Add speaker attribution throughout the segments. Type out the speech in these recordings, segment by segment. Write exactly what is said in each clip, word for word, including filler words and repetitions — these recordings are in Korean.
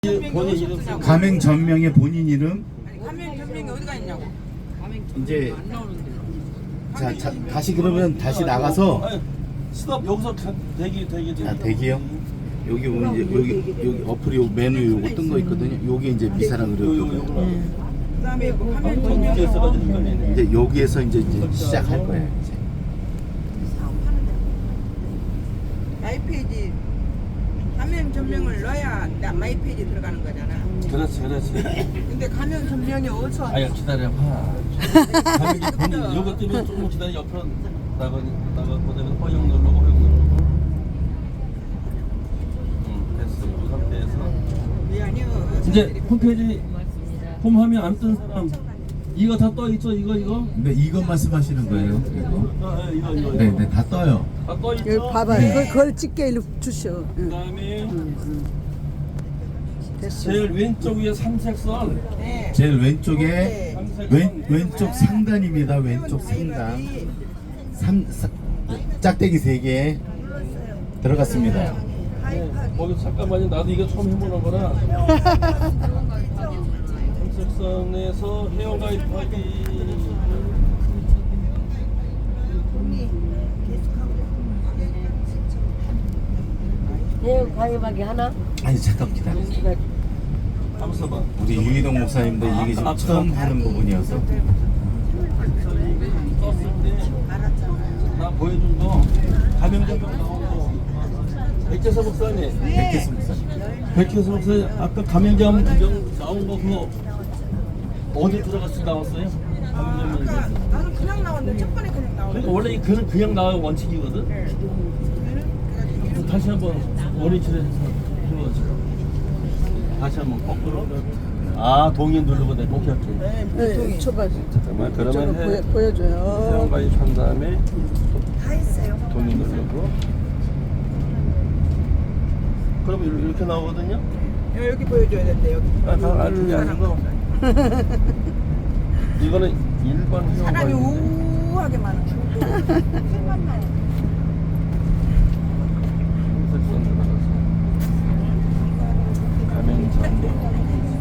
Speaker 1: 본인 이름 쓰고.
Speaker 2: 가맹 전명의 본인 이름.
Speaker 3: 가맹 전명이 어디가 있냐고.
Speaker 2: 이제 자, 자 다시 그러면 다시 나가서
Speaker 1: 아니, 스톱 여기서 가- 대기 대기 대기.
Speaker 2: 아 대기요. 여기 오면 이제 여기 여기 어플이 요 메뉴 요거 뜬 거 있거든요. 요게 이제 미사랑
Speaker 1: 요, 요,
Speaker 2: 의료.
Speaker 1: 요거는
Speaker 3: 그다음에 뭐 가맹
Speaker 1: 방송
Speaker 3: 전명.
Speaker 1: 밑에 써가지고 헷갈리네.
Speaker 2: 이제 여기에서 이제, 이제 시작할 거예요. 이제.
Speaker 3: 마이페이지 가맹 전명을 넣어야 나 마이페이지 들어가는 거잖아.
Speaker 1: 그렇지 그렇지.
Speaker 3: 근데 가맹 전명이 어디서
Speaker 1: 아야 기다려봐. 가격이 본인 요거 뜨면 조금 기다려 옆으로 나가 나가 그다음에 허용 누르고 허용 누르고. 응 됐어 그 상태에서
Speaker 3: 왜 아니요.
Speaker 1: 이제 홈페이지 홈화면 안 뜬 사람 이거 다 떠 있죠 이거 이거.
Speaker 2: 근데 이거 말씀하시는 거예요? 이거?
Speaker 1: 아, 이거 이거.
Speaker 2: 네, 네, 다 떠요.
Speaker 1: 다 떠 있죠.
Speaker 4: 여기 봐봐요. 그걸, 그걸 찍게 일로 주셔. 응.
Speaker 1: 그다음에
Speaker 4: 됐어.
Speaker 1: 제일 왼쪽 위에 삼색 선.
Speaker 3: 네.
Speaker 2: 제일 왼쪽에 왼 왼쪽 상단입니다. 왼쪽 상단. 삼 사, 짝대기 세 개 들어갔습니다.
Speaker 1: 네, 거기 잠깐만요. 나도 이거 처음 해보는 거라. 삼색선에서 회원 가입하기.
Speaker 5: 회원 가입하기 하나?
Speaker 2: 아니 잠깐 기다려.
Speaker 1: 한번 써봐.
Speaker 2: 우리 유희동 목사님도 이게 지금 처음 하는 부분이어서.
Speaker 1: 떴을 때 나 보여준 거 가명자명 나오고 백재서 목사님.
Speaker 2: 백혜수 목사님.
Speaker 1: 백재서 목사님 아까 가명자명 나온 거 그거 어디 들어갔을 때 나왔어요?
Speaker 3: 아까
Speaker 1: 가명자명.
Speaker 3: 나는 그냥 나왔는데 첫 번에 그냥 나왔는데.
Speaker 1: 그러니까 원래 이 글은 그냥 나와야 원칙이거든. 그래서 다시 한번 원위치를 해서 해보자. 다시 한번 거꾸로. 아 동의 누르고 내가 오케이 오케이.
Speaker 3: 네,
Speaker 4: 네,
Speaker 3: 보통이.
Speaker 4: 쳐봐.
Speaker 1: 잠깐만
Speaker 4: 저거
Speaker 1: 그러면
Speaker 4: 보여,
Speaker 1: 해.
Speaker 4: 보여줘요.
Speaker 1: 회원 가입한 다음에
Speaker 3: 다 있어요.
Speaker 1: 동의 누르고. 그러면 이렇게- 이렇게 나오거든요.
Speaker 3: 여기 보여줘야 된대 여기.
Speaker 1: 아, 다 아, 그게 아니고 이거는 일반 회원
Speaker 3: 사람이
Speaker 1: 가입.
Speaker 3: 우하게 많아.
Speaker 1: 검색선 들어가서 가맹점.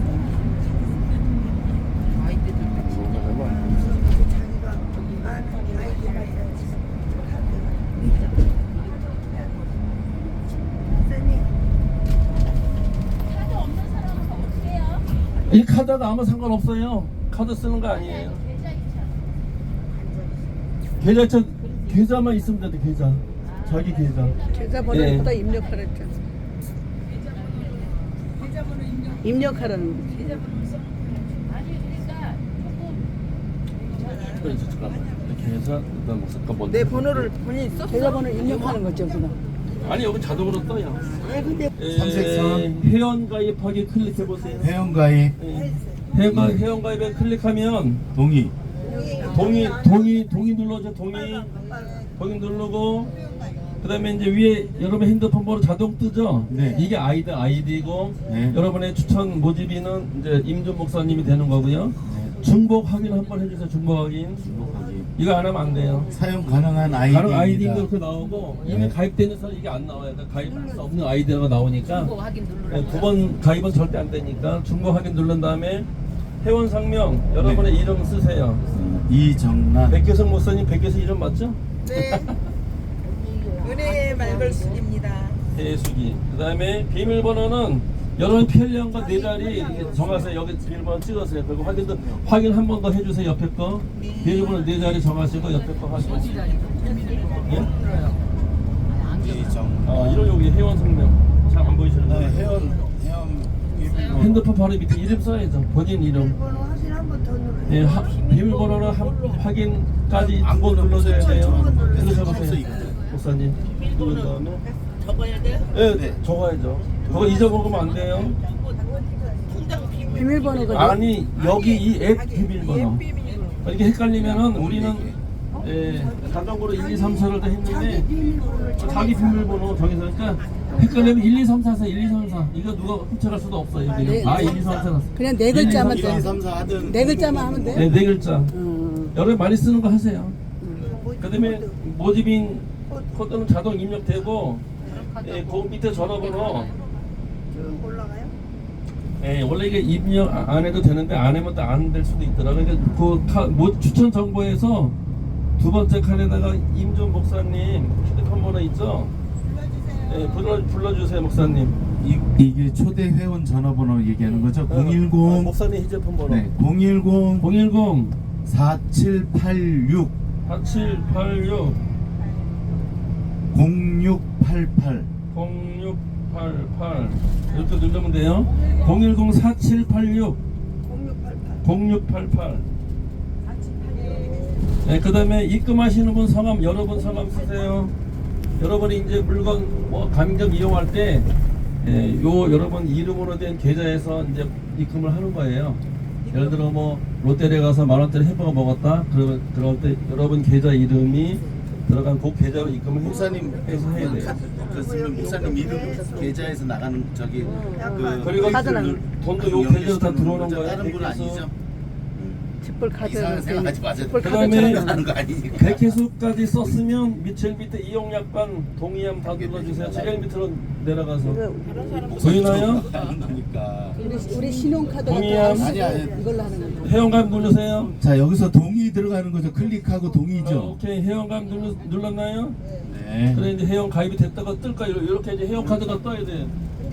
Speaker 1: 이 카드가 아무 상관없어요. 카드 쓰는 거 아니에요. 계좌 저 계좌만 있으면 돼. 계좌. 자기 계좌.
Speaker 4: 계좌번호보다
Speaker 1: 예.
Speaker 4: 입력하랬죠. 입력하라는 거지.
Speaker 1: 그래, 이제 잠깐만. 이렇게 해서 일단 잠깐 먼저.
Speaker 3: 내 번호를 본인이 썼어?
Speaker 4: 계좌번호 입력하는 거죠, 그럼.
Speaker 1: 아니 여기 자동으로 떠요.
Speaker 3: 네, 근데
Speaker 1: 에,
Speaker 2: 삼색선.
Speaker 1: 회원 가입하기 클릭해 보세요.
Speaker 2: 회원 가입
Speaker 1: 회원 가입 회원 가입에 클릭하면
Speaker 2: 동의.
Speaker 1: 동의 동의 동의 눌러줘. 동의 동의 누르고 그다음에 이제 위에 여러분 핸드폰 번호 자동 뜨죠.
Speaker 2: 네.
Speaker 1: 이게 아이디 아이디고
Speaker 2: 네.
Speaker 1: 여러분의 추천 모집인은 이제 임준 목사님이 되는 거고요. 중복 확인 한번 해주세요. 중복 확인.
Speaker 2: 중복하기.
Speaker 1: 이거 안 하면 안 돼요.
Speaker 2: 사용 가능한
Speaker 1: 다른 아이디도
Speaker 2: 아이디입니다.
Speaker 1: 이렇게 나오고 이미
Speaker 2: 네.
Speaker 1: 가입된 사람 이게 안 나와요. 그러니까 가입할 수 없는 아이디가 나오니까
Speaker 5: 확인 누르라고.
Speaker 1: 두 번 가입은 절대 안 되니까 중복 확인 누른 다음에 회원 상명 여러분의 이름 쓰세요.
Speaker 2: 어, 이정란.
Speaker 1: 백계성 목사님 백계성 이름 맞죠?
Speaker 3: 네. 은혜의 말걸스입니다.
Speaker 1: 대수기. 그다음에 비밀번호는 여러분 편리한 네 자리 이렇게 정하세요. 여기 비밀번호 찍으세요. 그리고 확인도 확인 한 번 더 해주세요. 옆에 거 비밀번호 네 자리 정하시고 옆에 거 하시고. 예?
Speaker 2: 이정.
Speaker 1: 아 이런 여기 회원 상명 잘 안 보이시는
Speaker 2: 네,
Speaker 1: 거예요?
Speaker 2: 회원 회원 비밀번호.
Speaker 1: 핸드폰 바로 밑에 이름 써야죠. 본인 이름. 예, 하, 비밀번호는 한, 확인까지 두 번 눌러줘야 돼요. 눌러보세요. 목사님. 누른 다음에.
Speaker 3: 적어야 돼요?
Speaker 1: 예,
Speaker 2: 네.
Speaker 1: 적어야죠. 그거 잊어먹으면 안 돼요.
Speaker 4: 비밀번호가
Speaker 1: 아니, 여기 이 앱 비밀번호. 이렇게 헷갈리면은 우리는 예, 자동으로 일, 이, 삼, 사를 다 했는데 자기 비밀번호 정해서 그러니까 헷갈리면 일, 이, 삼, 사, 일, 이, 삼, 사 이거 누가 훔쳐갈 수도 없어요. 여기는.
Speaker 4: 네.
Speaker 1: 아, 일, 이, 삼, 사.
Speaker 4: 그냥 네 글자만
Speaker 2: 일,
Speaker 4: 돼.
Speaker 2: 이, 삼, 사 하든
Speaker 4: 네 글자만 하면 돼.
Speaker 1: 네, 네 글자.
Speaker 4: 음.
Speaker 1: 여러분 많이 쓰는 거 하세요. 그다음에 모집인 코드는 자동 입력되고 예, 그 밑에 전화번호 예, 원래 이게 입력 안 해도 되는데 안 하면 또 안 될 수도 있더라고요. 그러니까 그 카, 뭐 추천 정보에서 두 번째 칸에다가 임종 목사님 휴대폰 번호 있죠? 예, 불러 불러주세요 목사님.
Speaker 2: 이, 이게 초대 회원 전화번호 얘기하는 거죠?
Speaker 1: 아,
Speaker 2: 공일공
Speaker 1: 목사님 휴대폰 번호.
Speaker 2: 네, 공일공
Speaker 1: 공일공
Speaker 2: 사칠팔육
Speaker 1: 사칠팔육
Speaker 2: 공육팔팔
Speaker 1: 공육팔팔 이렇게 누르면 돼요. 공일공 사칠팔육 공육팔팔. 네, 그 다음에 입금하시는 분 성함, 여러분 성함 쓰세요. 여러분이 이제 물건 뭐 가맹점 이용할 때 예, 요 여러분 이름으로 된 계좌에서 이제 입금을 하는 거예요. 예를 들어 뭐 롯데리아 가서 만 원짜리 햄버거 먹었다. 그러면 그럴 때 여러분 계좌 이름이 들어간 그 계좌로 입금을
Speaker 2: 목사님
Speaker 1: 해서 해야 돼요.
Speaker 2: 그렇으면 목사님 이름 계좌에서 나가는 저기 그
Speaker 1: 그리고
Speaker 4: 카드는
Speaker 1: 돈도 요 계좌로 다 들어오는 거예요.
Speaker 2: 다른 분 아니죠?
Speaker 4: 칩불 카드
Speaker 2: 이상한 생각하지 마세요.
Speaker 4: 칩불
Speaker 1: 그다음에
Speaker 4: 카드처럼
Speaker 2: 하는 거 아니니까.
Speaker 1: 백회수까지 썼으면 밑에 밑에 이용약관 동의함 다 눌러주세요. 제일 밑으로 내려가서 보이나요?
Speaker 2: 하는 거니까.
Speaker 4: 우리, 우리 신용카드
Speaker 1: 동의함.
Speaker 4: 같은
Speaker 2: 아니, 아니.
Speaker 4: 이걸로 하는 건데.
Speaker 1: 회원가입 누르세요.
Speaker 2: 자 여기서 동의 들어가는 거죠. 클릭하고
Speaker 1: 어,
Speaker 2: 동의죠.
Speaker 1: 오케이 회원가입 눌러, 눌렀나요?
Speaker 2: 네.
Speaker 1: 그래 이제 회원 가입이 됐다가 뜰까 이렇게 이제 회원 카드가 떠야 돼.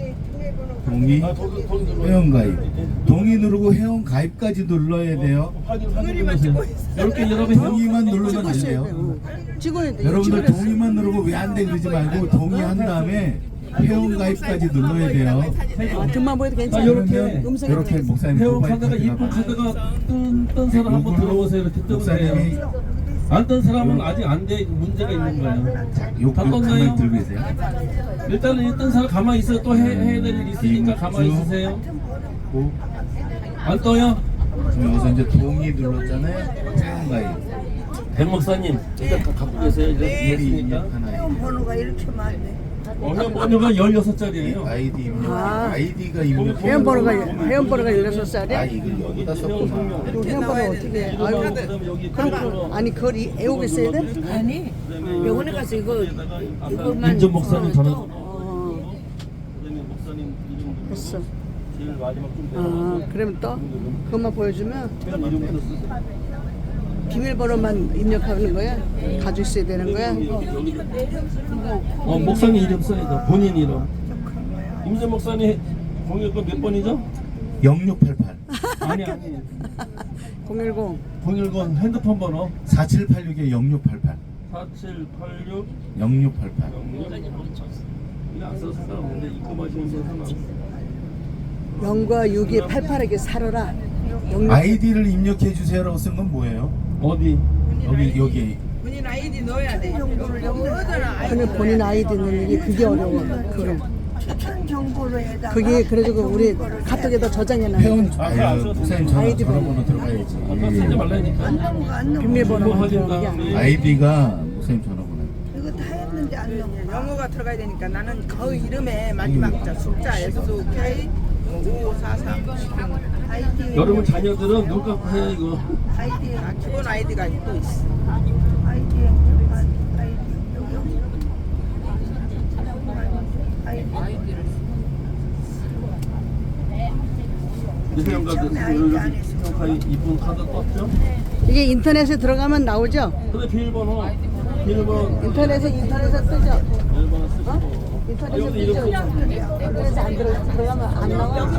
Speaker 2: 동의
Speaker 1: 아, 돈, 돈 눌러요.
Speaker 2: 회원 가입. 동의 누르고 회원 가입까지 눌러야 돼요.
Speaker 1: 확인 확인 누르세요. 이렇게 여러분 회원
Speaker 2: 동의만 누르면 안
Speaker 4: 찍었어야
Speaker 2: 돼요.
Speaker 4: 돼. 찍어야 돼.
Speaker 2: 여러분들 동의만 누르고 왜 안 돼 그러지 말고 동의한 다음에 회원 가입까지 눌러야 돼요.
Speaker 4: 아, 등만 보여도
Speaker 1: 아,
Speaker 4: 괜찮아.
Speaker 1: 요렇게
Speaker 4: 음성
Speaker 2: 이렇게 목사님
Speaker 1: 회원
Speaker 2: 모바일
Speaker 1: 카드가
Speaker 2: 카드가
Speaker 1: 이쁜 카드가 뜬, 뜬 사람 한번
Speaker 2: 요걸로
Speaker 1: 들어오세요. 이렇게 뜨면
Speaker 2: 목사님이
Speaker 1: 돼요. 안 뜬 사람은 아직 안 돼. 문제가 있는 거예요.
Speaker 2: 요
Speaker 1: 다
Speaker 2: 가만히
Speaker 1: 떴나요?
Speaker 2: 들고 계세요.
Speaker 1: 일단은 일단 사람 가만히 있어요. 또 해, 해야 될 일 있으니까 가만히 있으세요.
Speaker 2: 고
Speaker 1: 안 떠요?
Speaker 2: 지금 여기서 이제 동의 눌렀잖아요. 회원 가입.
Speaker 1: 백 목사님 일단 가- 갖고 계세요. 이제
Speaker 2: 미리
Speaker 1: 이해했으니까.
Speaker 2: 입력하나요?
Speaker 3: 번호가 이렇게 많네.
Speaker 1: 어, 회원 번호가 열여섯 자리예요.
Speaker 2: 아이디 입력.
Speaker 4: 아.
Speaker 2: 아이디가 입력.
Speaker 4: 회원번호가 회원번호가 열여섯
Speaker 2: 아
Speaker 4: 살이야?
Speaker 2: 이걸 여기다 썼구나.
Speaker 4: 그 회원번호 어떻게 해? 아유,
Speaker 1: 그다음에 여기
Speaker 4: 그럼
Speaker 1: 카드로
Speaker 4: 아니 그걸 이- 애우고 있어야 돼?
Speaker 5: 아니 병원에 가서 이거 이것만
Speaker 1: 민정 목사님 전화.
Speaker 4: 어,
Speaker 1: 그다음에 목사님 이름
Speaker 4: 됐어.
Speaker 1: 제일 마지막 좀
Speaker 4: 아, 그러면 또 그것만 보여주면
Speaker 1: 회원 이름부터 쓰세요.
Speaker 4: 비밀번호만 입력하는 거야? 가지고 있어야 되는 거야?
Speaker 1: 어 목사님 이름 써야 돼. 본인 이름. 임재 목사님 공일권 몇 번이죠?
Speaker 2: 영육팔팔
Speaker 1: 아니 아니.
Speaker 4: 공일공
Speaker 1: 공일권 핸드폰 번호
Speaker 2: 사칠팔육에 영육팔팔
Speaker 1: 사칠팔육
Speaker 2: 영육팔팔.
Speaker 1: 이거 안 써서 상관없는데 입금하시는 분 하나.
Speaker 4: 영과 육이 팔팔하게 살아라. 영육
Speaker 2: 아이디를 입력해 주세요라고 쓴 건 뭐예요?
Speaker 1: 어디?
Speaker 2: 여기 여기
Speaker 3: 본인 아이디 넣어야 돼. 넣어잖아. 아이디.
Speaker 4: 근데 본인 아이디 넣는 게 그게 어려워. 그래.
Speaker 3: 추천 정보로 해다.
Speaker 4: 그게 그래가지고 우리 카톡에다 저장해놔.
Speaker 2: 회원 아유 목사님 전화
Speaker 4: 아이디
Speaker 2: 전화번호
Speaker 1: 아까 쓰지
Speaker 2: 들어가야지.
Speaker 1: 말라니까.
Speaker 4: 비밀번호
Speaker 1: 이거 확인
Speaker 4: 들어간 게
Speaker 1: 다음에
Speaker 4: 아니야.
Speaker 2: 아이디가 목사님 전화번호.
Speaker 3: 이거 다 했는데 안 넣어. 영어가 들어가야 되니까 나는 그 이름에 마지막 자 숫자 S K 오사삼 아이디.
Speaker 1: 여러분 자녀들은 눈 감고 해 이거.
Speaker 3: 아이디가 기본 아이디가 또 있어. 아이디 아이디 아이디.
Speaker 1: 회원 카드 여기 이쁜 카드 떴죠?
Speaker 4: 이게 인터넷에 들어가면 나오죠?
Speaker 1: 근데 비밀번호 비밀번호
Speaker 4: 인터넷에 인터넷에 뜨죠?
Speaker 1: 비밀번호 쓰시고.
Speaker 4: 인터넷에
Speaker 1: 여기
Speaker 4: 뜨죠?
Speaker 1: 이름 쓰시고.
Speaker 4: 인터넷에 안 들어 들어가면 안 나와?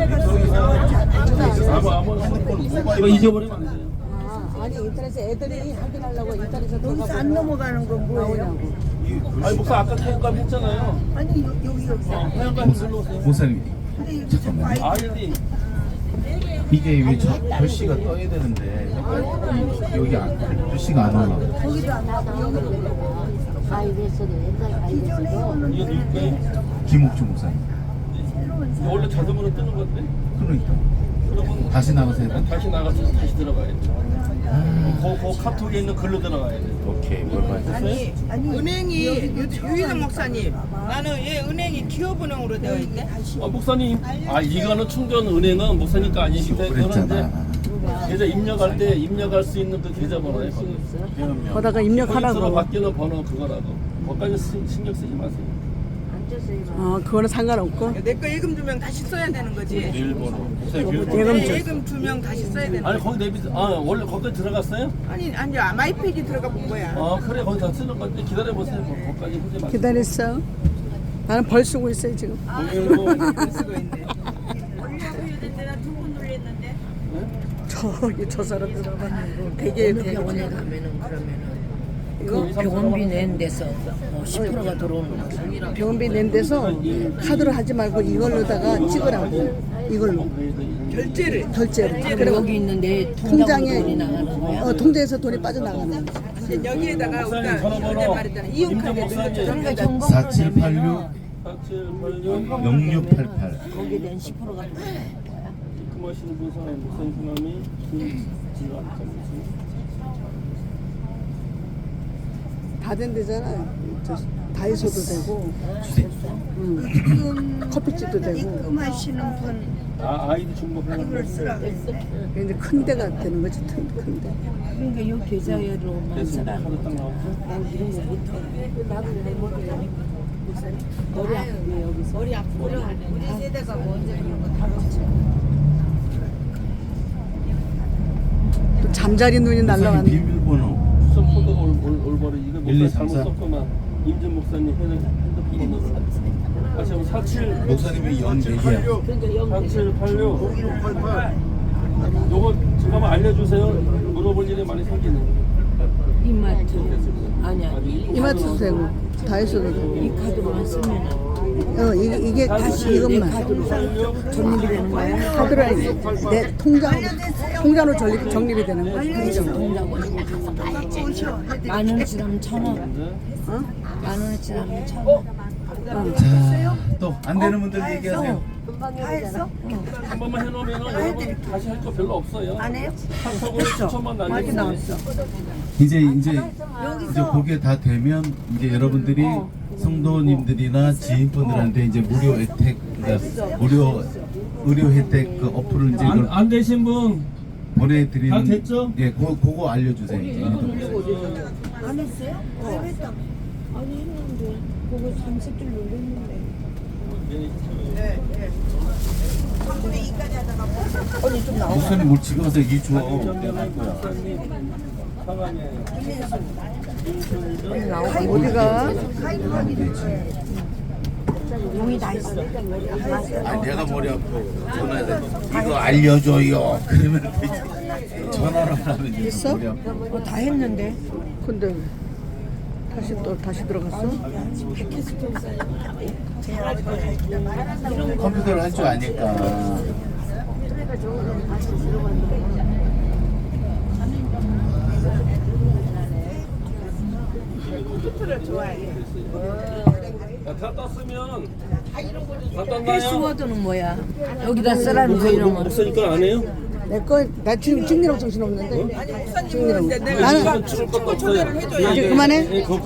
Speaker 1: 아무 아무 핸드폰 이거 잊어버리면 안 돼요.
Speaker 4: 아, 아니 인터넷에 애들이 확인하려고 인터넷에
Speaker 3: 여기서
Speaker 4: 들어가면
Speaker 3: 안 넘어가는 건 뭐예요?
Speaker 4: 나오냐고.
Speaker 1: 아니 목사 아까 태양감 했잖아요.
Speaker 3: 아니 여- 여기 여기.
Speaker 1: 어, 태양감 눌러오세요.
Speaker 2: 목사님
Speaker 3: 근데 이거
Speaker 2: 잠깐만요.
Speaker 1: 아이디
Speaker 2: 이게 왜 저 글씨가 떠야 되는데 이- 여기 안, 글씨가 안 올라.
Speaker 3: 거기도 안 나고 여기도.
Speaker 5: 가입했어도 옛날 가입했어도
Speaker 1: 이거 누구게?
Speaker 2: 김옥주 목사님.
Speaker 1: 이거 원래 자동으로 뜨는 건데.
Speaker 2: 그러니까
Speaker 1: 그러면
Speaker 2: 다시 나가세요.
Speaker 1: 다시 나가서 다시 들어가야 돼. 그, 그 카톡에 있는 글로 들어가야 돼.
Speaker 2: 오케이 뭘 봐야
Speaker 3: 아니, 아니 은행이 유- 유희동 목사님 나는 얘 은행이 기업은행으로 되어 있네.
Speaker 1: 아 목사님, 아 이거는 충전 은행은 목사님 거 아니시기 때문에
Speaker 2: 그랬잖아.
Speaker 1: 계좌 입력할 때 입력할 수 있는 그 계좌번호에
Speaker 4: 거다가 입력하라고.
Speaker 1: 포인트로 바뀌는 번호 그거라도. 거기까지 시- 신경 쓰지 마세요.
Speaker 4: 어, 그거는 상관없고.
Speaker 3: 내 거 예금 주면 다시 써야 되는 거지.
Speaker 2: 비밀번호.
Speaker 3: 예금 예금 주면 다시 써야 되는
Speaker 1: 아니
Speaker 3: 거지.
Speaker 1: 거기 내비 아 원래 거기 들어갔어요?
Speaker 3: 아니 아니 마이팩이 들어가 본 거야.
Speaker 1: 아 그래 거기 다 쓰는 건데 기다려 보세요. 뭐, 거기까지 하지 마세요.
Speaker 4: 기다렸어. 나는 벌 쓰고 있어요 지금.
Speaker 1: 거기는
Speaker 3: 쓰고 있네.
Speaker 4: 저기 저 사람들 봐봐. 되게
Speaker 5: 어느
Speaker 4: 되게
Speaker 5: 병원에 가면은 그러면은
Speaker 4: 이거
Speaker 5: 그 병원비 낸 데서 뭐 십 퍼센트가 들어오는 거.
Speaker 4: 병원비 낸 데서 카드로 하지 말고 이걸로다가 찍으라고. 이걸로
Speaker 3: 결제를
Speaker 4: 결제를.
Speaker 5: 그럼
Speaker 4: 그리고
Speaker 5: 여기 있는데
Speaker 4: 통장에
Speaker 5: 통장에 돈이 나가는 거야?
Speaker 4: 어, 통장에서 돈이 빠져나가는 거지.
Speaker 3: 이제 여기에다가 우리가
Speaker 1: 목사님
Speaker 3: 그때
Speaker 1: 전화번호
Speaker 3: 말했잖아. 이용카드
Speaker 1: 임정 목사님
Speaker 5: 그러니까
Speaker 3: 넣어줘.
Speaker 5: 현금으로
Speaker 2: 사칠팔육
Speaker 1: 사칠팔육
Speaker 2: 영육팔팔.
Speaker 5: 거기에 낸 십 퍼센트가 들어가는 거야?
Speaker 1: 입금하시는 분 사람 목사님 성함이 김지환
Speaker 4: 다 된대잖아. 저 다이소도 되고, 음, 커피집도 되고.
Speaker 3: 입금하시는 분
Speaker 1: 아 아이디 중복하는
Speaker 3: 이걸 쓰라고
Speaker 4: 근데 큰 데가 되는 거지, 큰, 큰 데.
Speaker 5: 그러니까 이 계좌로만
Speaker 1: 됐습니다.
Speaker 5: 쓰라는
Speaker 1: 카드 딱 나오고
Speaker 5: 난 이런 거 못해. 나도 내 머리에 머리 아프게 여기서 머리 아프고 우리 세대가 먼저 이런 거 다뤘지.
Speaker 4: 또 잠자리 눈이
Speaker 2: 목사님
Speaker 4: 날라왔네.
Speaker 2: 비밀번호.
Speaker 1: 수석 코드가 올, 올, 올바로 이거
Speaker 2: 일, 이,
Speaker 1: 목사님
Speaker 2: 삼,
Speaker 1: 잘못
Speaker 2: 사.
Speaker 1: 썼구만. 임준 목사님 핸드폰으로 다시 한번 사칠
Speaker 2: 목사님이 영 네 개야.
Speaker 1: 사칠팔육 요거 잠깐만 알려주세요. 물어볼 일이 많이 생기는.
Speaker 5: 이마트 아니 아니
Speaker 4: 이마트도 되고, 다이소도 되고.
Speaker 5: 이 카드로만 쓰면
Speaker 4: 어, 이게, 이게 다시
Speaker 5: 내
Speaker 4: 이것만.
Speaker 5: 카드로 전입이 되는 거야?
Speaker 4: 카드로 아니지. 내 통장, 통장으로 전립, 정립이 되는 거야. 통장.
Speaker 5: 통장은 만 원치 하면 천 원.
Speaker 4: 어?
Speaker 5: 만 원치 하면 천 원.
Speaker 2: 자, 또 안 되는 분들 얘기하세요.
Speaker 1: 한 번만 해놓으면 여러분 다시 할 거 별로 없어요. 안 해요? 카톡으로 추천만 날리고
Speaker 2: 이제 이제 이제 그게 다 되면 이제 여러분들이 성도님들이나 지인분들한테 이제 무료 혜택, 그러니까 무료 의료 혜택 그 어플을 이제
Speaker 1: 안,
Speaker 2: 이걸
Speaker 1: 안 되신 분
Speaker 2: 보내드리는.
Speaker 1: 다 됐죠?
Speaker 2: 예, 그거, 그거 알려주세요. 이제.
Speaker 5: 안 했어요? 어. 아니 했는데 그거 삼십 줄 눌렀는데. 언니 좀 나와.
Speaker 2: 목사님 뭘 지금 와서 얘기 줘.
Speaker 1: 정경환 목사님 상황이에요.
Speaker 4: 어디가?
Speaker 5: 용이 다 있어.
Speaker 2: 아, 내가 머리 아프고 전화해. 이거 알려줘요. 그러면 되지. 전화를 하면 이제
Speaker 4: 있어?
Speaker 2: 머리 아프고.
Speaker 5: 어, 다 했는데.
Speaker 4: 근데 왜? 다시 또 다시 들어갔어?
Speaker 2: 컴퓨터를 할 줄 아니까.
Speaker 3: 컴퓨터를 좋아해.
Speaker 1: 다 떴으면 다 떴나요?
Speaker 5: 패스워드는 뭐야? 여기다 쓰라는 거 이런 거.
Speaker 1: 목사님 거안 해요?
Speaker 4: 내 거, 나 지금 찍느라고 정신 없는데.
Speaker 3: 목사님은 이제 내가
Speaker 4: 나는
Speaker 3: 친구 초대를 해줘야
Speaker 1: 예,
Speaker 4: 이제
Speaker 1: 예,
Speaker 4: 그만해?
Speaker 1: 예, 거-